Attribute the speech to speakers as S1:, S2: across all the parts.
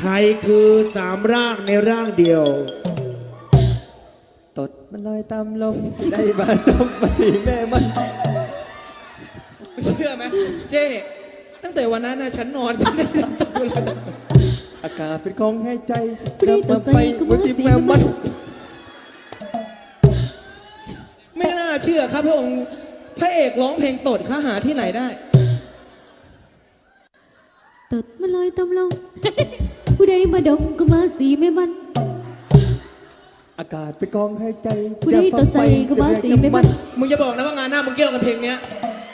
S1: ใครคือสามร่างในร่างเดียว
S2: ตดมันลอยตามลมได้บาดมมาสีแม่มัน
S3: เชื่อไหมเจ้ตั้งแต่วันนั้นนะฉันนอนฉันได้ตกเลย
S2: อากาศเป็นของให้ใจดับมาไฟบนที่แม่มัน
S3: ไม่น่าเชื่อครับพระองค์พระเอกร้องเพลงตดข้าหาที่ไหนได้
S4: ตดมาลอยตำลง ผู้ใดมาดมก็มาสีไม่มัน
S2: อากาศเป็นของให้ใจ
S4: ผู้ใดต่อใส่ก็มาสีไม่มัน
S3: มึงจะบอกนะว่างานหน้ามึงเกี่ยวกับเพลงเนี้ย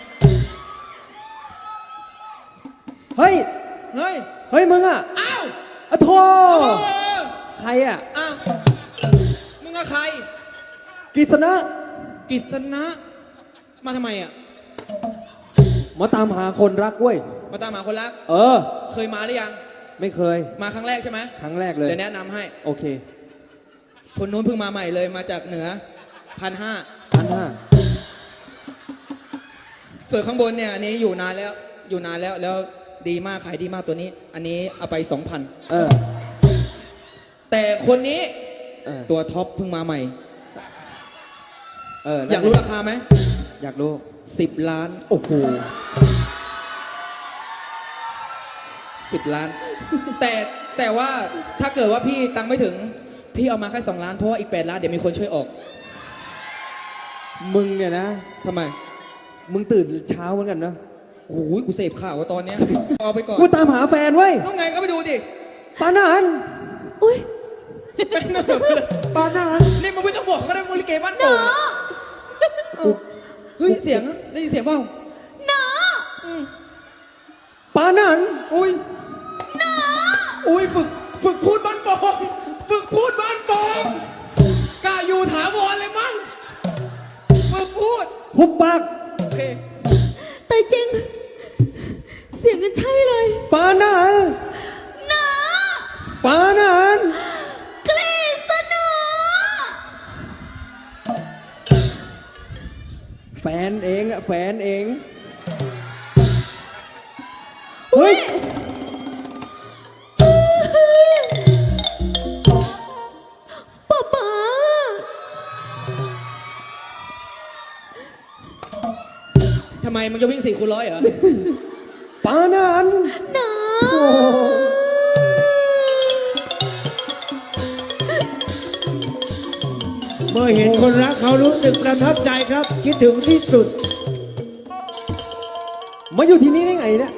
S2: เฮ้ย
S3: เฮ้ย
S2: เฮ้ยมึงอ่ะ
S3: อ้าว
S2: อะโธ่
S3: เออ
S2: ใครอ่ะ
S3: อ้าวมึงกับใคร
S2: กิษณะ
S3: กฤษณะมาทำไมอ่ะ
S2: มาตามหาคนรักเว้ย
S3: มาตามหาคนรัก
S2: เออ
S3: เคยมาหรือยัง
S2: ไม่เคย
S3: มาครั้งแรกใช่ไหม
S2: ครั้งแรกเลย
S3: เดี๋ยวแนะนำให้
S2: โอเค
S3: คนนู้นเพิ่งมาใหม่เลยมาจากเหนือ1,500
S2: 1,500
S3: ส่วนข้างบนเนี่ยอันนี้อยู่นานแล้วแล้วดีมากขายดีมากตัวนี้ อันนี้เอาไป 2,000
S2: เออ
S3: แต่คนนี้
S2: เออ
S3: ตัวท็อปเพิ่งมาใหม่
S2: เออ
S3: อยากรู้ราคาไหม
S2: อยากรู้
S3: 10 ล้าน
S2: โอ้โห
S3: 10 ล้าน แต่ว่าถ้าเกิดว่าพี่ตังค์ไม่ถึงพี่เอามาแค่2 ล้านเพราะว่าอีก8 ล้านเดี๋ยวมีคนช่วยออก
S2: มึงเนี่ยนะ
S3: ทำไม
S2: มึงตื่นเช้าเหมือนกันนะ
S3: โอ้ยกูเสพข่าวว่าตอนเนี้ย เอาไปก่อน
S2: กูตามหาแฟนเว้ย
S3: ต้องไงก็ไปดูดิ
S2: ปานาน
S4: อุ้ย
S3: เป็นเนิร์ฟเลย
S2: ปานาน
S3: นี่มึงไม่ต้องบอกก็ได้มึงลิเกบ้านโป่งเอ้าเฮ้ยเสียงได้ยินเสียงเปล่า
S2: ปานาน
S3: อุ้ยอุ้ยฝึกพูดบ้านโป่งฝึกพูดบ้านโป่งกล้าอยู่ถาวรเลยมั้งฝึกพูด
S2: หุบปาก
S3: โอเค
S4: แต่จริง เสียงกันใช่เลย
S2: ปานาน
S4: นะ
S2: ปานาน
S4: กฤษณะ
S2: แฟนเองอะแฟนเอง เฮ้ย
S4: ป๊า
S3: ทำไมมึงจะวิ่ง4 คูณ 100เหรอ
S2: ปานาน
S4: นะ
S1: เมื่อเห็นคนรักเขารู้สึกประทับใจครับ คิดถึงที่สุด
S2: มาอยู่ที่นี่ได้ไงเนี่ย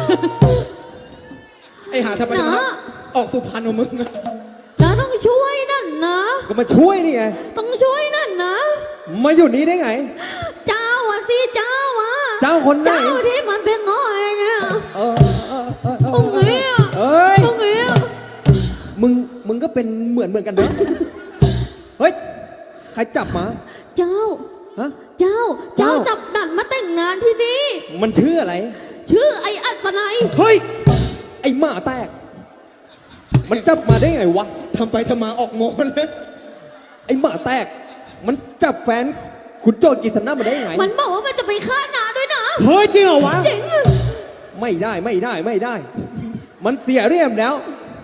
S3: ไอ้หาทำไมนะออกสุพรรณของมึงอะ
S4: นะต้องช่วยนั่นนะ
S2: ก็มาช่วยนี่ไง
S4: ต้องช่วยนั่นนะ
S2: มาอยู่นี่ได้ไง
S4: เจ้าอะสิเจ้าอะ
S2: เจ้าคนไหน
S4: เจ้าที่มันเป็นง่อยเนี่ย
S2: เออเออเออเอ
S4: ตรง
S2: อ
S4: นี้อะ
S2: เอ้ย
S4: ตรงนี้อะ
S2: มึงก็เป็นเหมือนกันเนอะเฮ้ย ใครจับมา
S4: เจ้า
S2: ฮะ
S4: เจ้า
S2: เจ้า
S4: จับดันมาแต่งงานที่นี่
S2: มันชื่ออะไร
S4: ชื่อไอ้อัศนัย
S2: เฮ้ย ไอหมาแตก มันจับมาได้ไงวะ
S3: ทำไปทำมาออกโมนเลย
S2: ไอหมาแตก มันจับแฟนคุณโจทย์กิษณะมาได้ไง
S4: มันบอกว่ามันจะไปฆ่านาด้วยนะ
S2: เฮ้ยจริงเหรอวะ
S4: จริง
S2: ไม่ได้ไม่ได้ไม่ได้ มันเสียเรียมแล้ว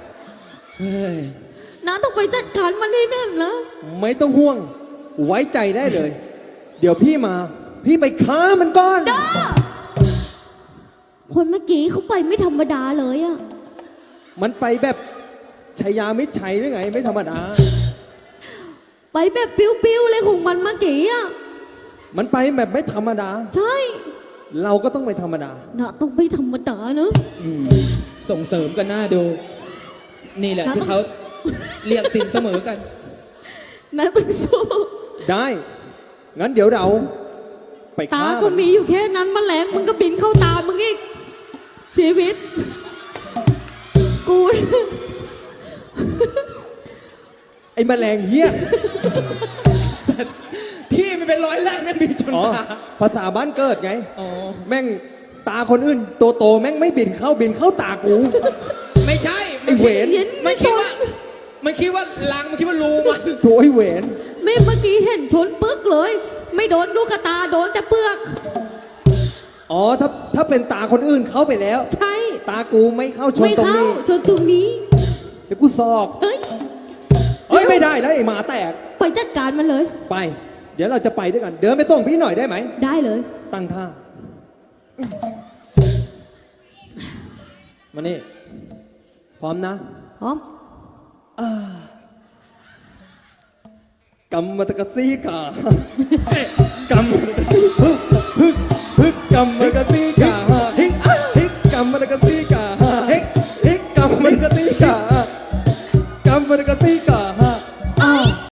S4: นาต้องไปจัดการมันให้แน่นนะ
S2: ไม่ต้องห่วง ไว้ใจได้เลย เดี๋ยวพี่มา พี่ไปฆ่ามันก่อน
S4: ด้าคนเมื่อกี้เขาไปไม่ธรรมดาเลยอะ
S2: มันไปแบบชัยยามิตรชัยหรือไง ไม่ธรรมดา
S4: ไปแบบปิ้วๆเลยของมันเมื่อกี้อะ
S2: มันไปแบบไม่ธรรมดา
S4: ใช่
S2: เราก็ต้องไม่ธรรมดา
S4: นาต้องไม่ธรรมดาเนอะ
S3: ส่งเสริมกันหน้าดู นี่แหละที่เขาเรียกสินเสมอกัน
S4: นาต้องสู้
S2: ได้ งั้นเดี๋ยวเรา ไป
S4: ตา
S2: ฆ่า
S4: ก็
S2: มัน
S4: มีอยู่แค่นั้นแมลงมึงก็บินเข้าตามึงอีกชีวิต กู
S2: ไอ้แมลงเหี้ย
S3: ที่มันเป็นร้อยแรกนั่นมีจน
S2: อ๋อ
S3: ตา
S2: ภาษาบ้านเกิดไง
S3: อ๋อ
S2: แม่งตาคนอื่นโตๆแม่งไม่บินเข้าตากู
S3: ไม่ใช่
S2: ไอ้เวร
S4: เย็น
S3: มันคิดว่ามันคิดว่าลังมันคิดว่ารูมัน
S2: โถไอ้เวน
S4: ไม่เมื่อกี้เห็นชนปึกเลย ไม่โดนลูกกระตาโดนแต่เปลือก
S2: อ๋อถ้าเป็นตาคนอื่นเข้าไปแล้ว
S4: ใช่
S2: ตากูไม่เข้าชน
S4: ไม่
S2: ตรง
S4: เข้า
S2: นี้
S4: ชนตรงนี้
S2: เดี๋ยวกูสอก
S4: เฮ้ย
S2: เฮ้ยไม่ได้นะไอ้หมาแตก
S4: ไปจัดการมันเลย
S2: ไป เดี๋ยวเราจะไปด้วยกัน เดินไปส่งพี่หน่อยได้ไหม
S4: ได้เลย
S2: ตั้งท่า มานี่ พร้อมนะ
S4: พร้อม
S2: กำมะตะกะซีกากำมะตะกะซีฮึกฮึกฮึกกำมะตะกะซีกา